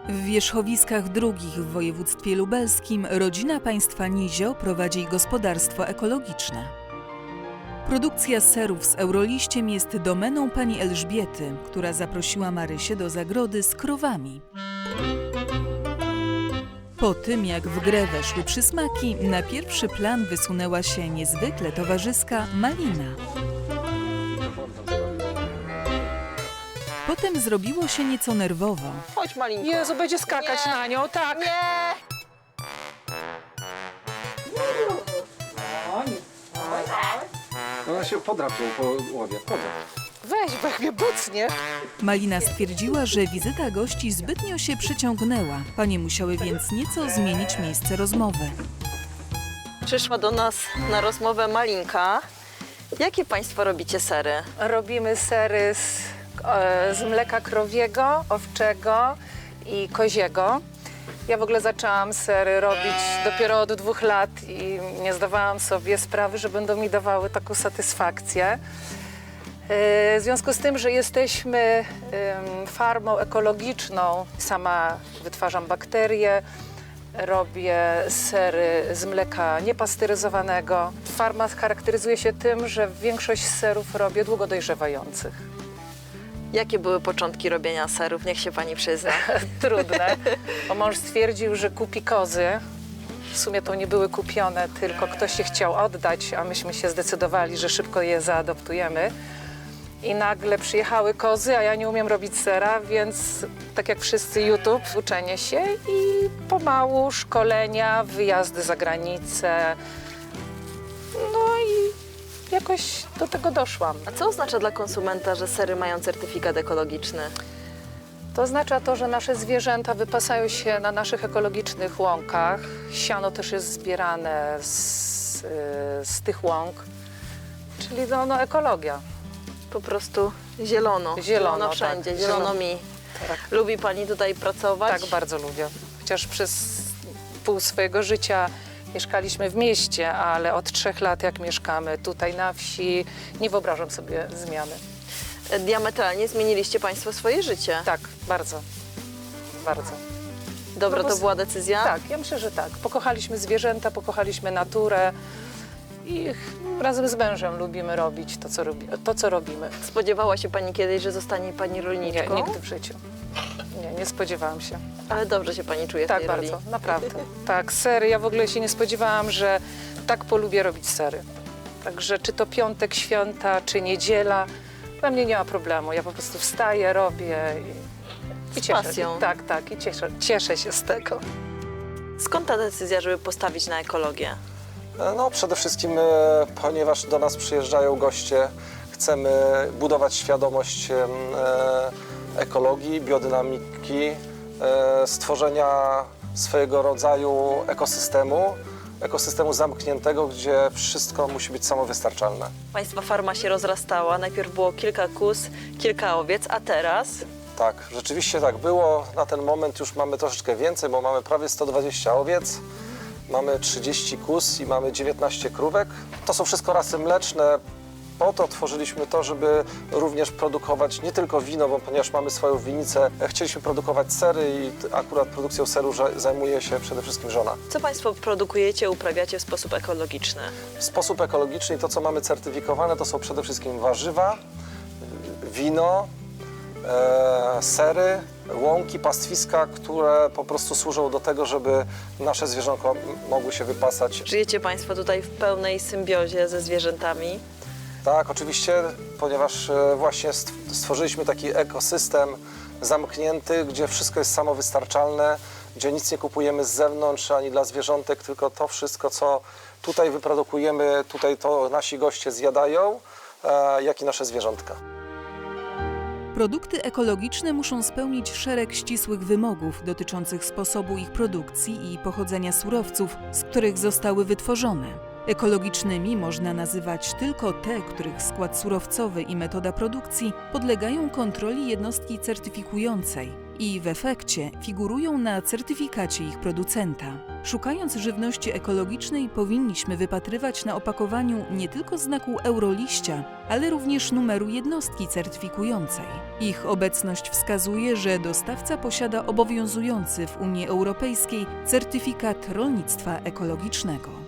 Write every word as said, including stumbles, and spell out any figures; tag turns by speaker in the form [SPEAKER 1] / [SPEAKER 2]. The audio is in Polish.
[SPEAKER 1] W wierzchowiskach drugich w województwie lubelskim rodzina państwa Nizio prowadzi gospodarstwo ekologiczne. Produkcja serów z Euroliściem jest domeną pani Elżbiety, która zaprosiła Marysię do zagrody z krowami. Po tym, jak w grę weszły przysmaki, na pierwszy plan wysunęła się niezwykle towarzyska Malina. Potem zrobiło się nieco nerwowo.
[SPEAKER 2] Chodź, Malinko.
[SPEAKER 3] Jezu, będzie skakać
[SPEAKER 2] Nie.
[SPEAKER 3] na nią, tak.
[SPEAKER 2] Nie!
[SPEAKER 4] Ona się podrapią po łowie. Podrap.
[SPEAKER 3] Weź, bo jak mnie bucnie.
[SPEAKER 1] Malina stwierdziła, że wizyta gości zbytnio się przyciągnęła. Panie musiały więc nieco zmienić miejsce rozmowy.
[SPEAKER 2] Przyszła do nas na rozmowę Malinka. Jakie państwo robicie sery?
[SPEAKER 3] Robimy sery z, e, z mleka krowiego, owczego i koziego. Ja w ogóle zaczęłam sery robić dopiero od dwóch lat i nie zdawałam sobie sprawy, że będą mi dawały taką satysfakcję. E, W związku z tym, że jesteśmy em, farmą ekologiczną, sama wytwarzam bakterie, robię sery z mleka niepasteryzowanego. Farma charakteryzuje się tym, że większość serów robię długo dojrzewających.
[SPEAKER 2] Jakie były początki robienia serów? Niech się pani przyzna.
[SPEAKER 3] Trudne, bo mąż stwierdził, że kupi kozy. W sumie to nie były kupione, tylko ktoś się chciał oddać, a myśmy się zdecydowali, że szybko je zaadoptujemy. I nagle przyjechały kozy, a ja nie umiem robić sera, więc tak jak wszyscy YouTube, uczenie się i pomału szkolenia, wyjazdy za granicę. No i jakoś do tego doszłam.
[SPEAKER 2] A co oznacza dla konsumenta, że sery mają certyfikat ekologiczny?
[SPEAKER 3] To oznacza to, że nasze zwierzęta wypasają się na naszych ekologicznych łąkach. Siano też jest zbierane z, y, z tych łąk, czyli no, no ekologia.
[SPEAKER 2] Po prostu zielono.
[SPEAKER 3] Zielono,
[SPEAKER 2] wszędzie,
[SPEAKER 3] tak.
[SPEAKER 2] zielono
[SPEAKER 3] Zielono.
[SPEAKER 2] mi.
[SPEAKER 3] Tak.
[SPEAKER 2] Lubi pani tutaj pracować?
[SPEAKER 3] Tak, bardzo lubię. Chociaż przez pół swojego życia mieszkaliśmy w mieście, ale od trzech lat jak mieszkamy tutaj na wsi, nie wyobrażam sobie zmiany.
[SPEAKER 2] Diametralnie zmieniliście państwo swoje życie.
[SPEAKER 3] Tak, bardzo, bardzo.
[SPEAKER 2] Dobra,
[SPEAKER 3] No bo
[SPEAKER 2] to
[SPEAKER 3] z-
[SPEAKER 2] była decyzja?
[SPEAKER 3] Tak, ja myślę, że tak. Pokochaliśmy zwierzęta, pokochaliśmy naturę i razem z mężem lubimy robić to, co, robi, to, co robimy.
[SPEAKER 2] Spodziewała się pani kiedyś, że zostanie pani
[SPEAKER 3] Nie,
[SPEAKER 2] rolniczką?
[SPEAKER 3] nigdy w życiu. Nie, nie spodziewałam się.
[SPEAKER 2] Ale dobrze się pani czuje w
[SPEAKER 3] Tak,
[SPEAKER 2] tej
[SPEAKER 3] bardzo,
[SPEAKER 2] roli.
[SPEAKER 3] naprawdę. Tak, sery, ja w ogóle się nie spodziewałam, że tak polubię robić sery. Także czy to piątek, święta, czy niedziela, dla mnie nie ma problemu. Ja po prostu wstaję, robię i, i
[SPEAKER 2] Z
[SPEAKER 3] cieszę
[SPEAKER 2] pasją.
[SPEAKER 3] się. Tak, tak, i cieszę, cieszę się z tego.
[SPEAKER 2] Skąd ta decyzja, żeby postawić na ekologię?
[SPEAKER 4] No przede wszystkim, e, ponieważ do nas przyjeżdżają goście, chcemy budować świadomość em, e, ekologii, biodynamiki, e, stworzenia swojego rodzaju ekosystemu, ekosystemu zamkniętego, gdzie wszystko musi być samowystarczalne.
[SPEAKER 2] Państwa farma się rozrastała. Najpierw było kilka kóz, kilka owiec, a teraz?
[SPEAKER 4] Tak, rzeczywiście tak było. Na ten moment już mamy troszeczkę więcej, bo mamy prawie sto dwadzieścia owiec, mamy trzydzieści kóz i mamy dziewiętnaście krówek. To są wszystko rasy mleczne. Po to tworzyliśmy to, żeby również produkować nie tylko wino, bo ponieważ mamy swoją winnicę, chcieliśmy produkować sery i t- akurat produkcją seru ża- zajmuje się przede wszystkim żona.
[SPEAKER 2] Co państwo produkujecie, uprawiacie w sposób ekologiczny?
[SPEAKER 4] W sposób ekologiczny i to, co mamy certyfikowane, to są przede wszystkim warzywa, wino, e, sery, łąki, pastwiska, które po prostu służą do tego, żeby nasze zwierzątka m- mogły się wypasać.
[SPEAKER 2] Żyjecie państwo tutaj w pełnej symbiozie ze zwierzętami?
[SPEAKER 4] Tak, oczywiście, ponieważ e, właśnie stw- stworzyliśmy taki ekosystem zamknięty, gdzie wszystko jest samowystarczalne, gdzie nic nie kupujemy z zewnątrz ani dla zwierzątek, tylko to wszystko, co tutaj wyprodukujemy, tutaj to nasi goście zjadają, e, jak i nasze zwierzątka.
[SPEAKER 1] Produkty ekologiczne muszą spełnić szereg ścisłych wymogów dotyczących sposobu ich produkcji i pochodzenia surowców, z których zostały wytworzone. Ekologicznymi można nazywać tylko te, których skład surowcowy i metoda produkcji podlegają kontroli jednostki certyfikującej i w efekcie figurują na certyfikacie ich producenta. Szukając żywności ekologicznej, powinniśmy wypatrywać na opakowaniu nie tylko znaku euroliścia, ale również numeru jednostki certyfikującej. Ich obecność wskazuje, że dostawca posiada obowiązujący w Unii Europejskiej certyfikat rolnictwa ekologicznego.